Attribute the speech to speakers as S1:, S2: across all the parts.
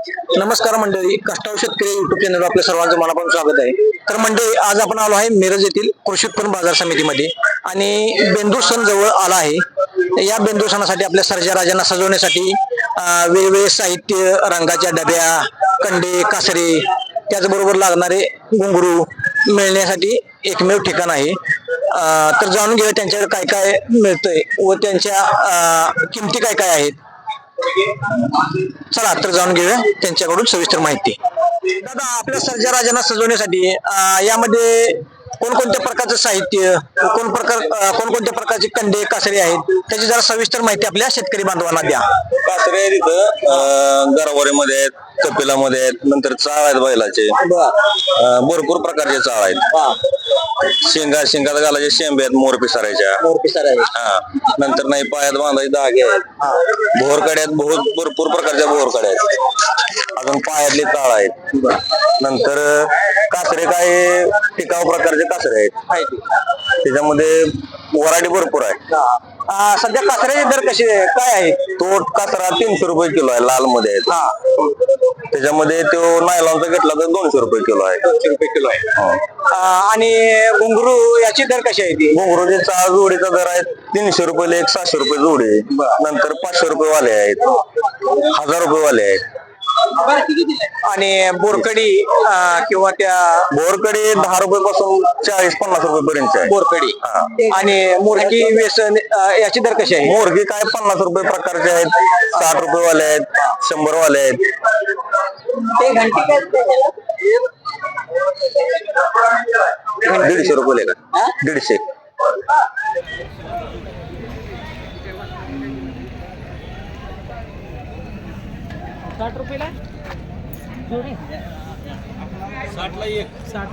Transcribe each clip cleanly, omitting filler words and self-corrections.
S1: नमस्कार मंडळी, कष्टाळू शेतकरी युट्यूब चॅनल आपल्या सर्वांचं मनापासून स्वागत आहे. तर मंडळी, आज आपण आलो आहे मिरज येथील कृषी उत्पन्न बाजार समितीमध्ये आणि बेंदूर सण जवळ आला आहे. या बेंदूर सणासाठी आपल्या सर्जा राजांना सजवण्यासाठी वेगवेगळे साहित्य, रंगाच्या डब्या, कंडे, कासरे, त्याचबरोबर लागणारे घुंगरू मिळण्यासाठी एकमेव ठिकाण आहे. तर जाणून घेऊया त्यांच्याकडे काय काय मिळतंय व त्यांच्या किमती काय काय आहेत. चला तर जाणून घेऊया त्यांच्याकडून सविस्तर माहिती. दादा, आपल्या सर्जा राजांना सजवण्यासाठी यामध्ये कोणकोणत्या प्रकारचं साहित्य, कोणकोणत्या प्रकारचे कंडे, कासरे आहेत, त्याची जरा सविस्तर माहिती आपल्या शेतकरी बांधवांना द्या.
S2: कासरे आहेत इथं, गरवारेमध्ये आहेत, कपिलामध्ये आहेत, नंतर चाळ आहेत बैलाचे, भरपूर प्रकारचे चाळ आहेत. शिंगात घालायचे शेंबे आहेत, मोर पिसारायच्या. हा, नंतर नाही पायात बांधायचे धागे आहेत, भोरकडे आहेत, भरपूर प्रकारच्या भोरकडे आहेत. अजून पायातले चाळ आहेत. नंतर कासरे काय टिकाऊ प्रकारचे कासरे आहेत, त्याच्यामध्ये व्हरायटी भरपूर आहे.
S1: सध्या कासऱ्याचे दर कसे काय आहे?
S2: तो कासरा 300 रुपये किलो आहे, लाल मध्ये आहे. त्याच्यामध्ये तो नायलॉनचा घेतला तर 200 रुपये किलो आहे.
S1: 200 रुपये किलो आहे. आणि घुंगरू याची दर कशी आहे ती?
S2: घुंगरूचे चाळ जोडीचा दर आहे 300 रुपये, 700 रुपये जोडी. नंतर 500 रुपये वाले आहेत, 1000 रुपये वाले आहेत.
S1: आणि बोरकडी किंवा त्या
S2: बोरकडे 10 रुपये पासून 40-50 रुपये पर्यंत आहे
S1: बोरकडी. आणि मोरकी, व्यसन याची दर कशी आहे?
S2: मोरगी काय 50 रुपये प्रकारचे आहेत, 60 रुपये वाले आहेत, 100 वाले आहेत. 150 रुपये का? 150.
S3: ₹60 जोडी 60 ला एक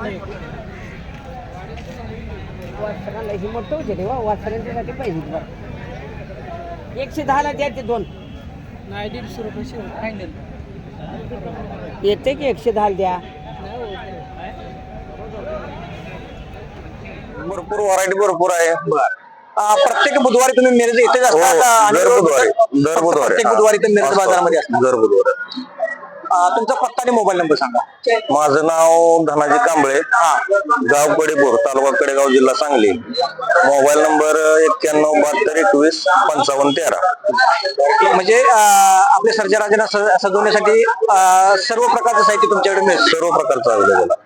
S3: वासराला ही मोठं होते रे, वासरांच्यासाठी पाहिजे बरं. 110 ला द्या ते दोन. नाही, 150 रुपये फायनल येते की 110 द्या.
S2: भरपूर व्हरायटी भरपूर आहे.
S1: प्रत्येक बुधवारी तुम्ही मिरज येतेच असता?
S2: दर बुधवारी
S1: प्रत्येक बुधवारी तर मिरज बाजारामध्ये असतात.
S2: दर बुधवारी.
S1: तुमचा पत्ता आणि मोबाईल नंबर सांगा.
S2: माझं नाव धनाजी कांबळे, गाव कडेपूर, तालुका कडेगाव, जिल्हा सांगली. Mobile number 9172215513.
S1: म्हणजे आपल्या सर्जा राजांना सजवण्यासाठी सर्व प्रकारचं साहित्य तुमच्याकडे मिळेल.
S2: सर्व प्रकारचं अवेलेबल आहे.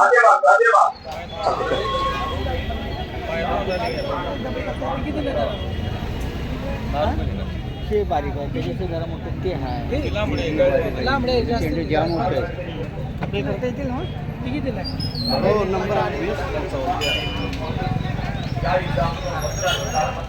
S3: हे बारीक आहे, त्याच्याशी जरा मोठं ते आहे. लांबडे जाम मोठे आपले करता येतील ना? किती दिला? हो, नंबर 8 20 55.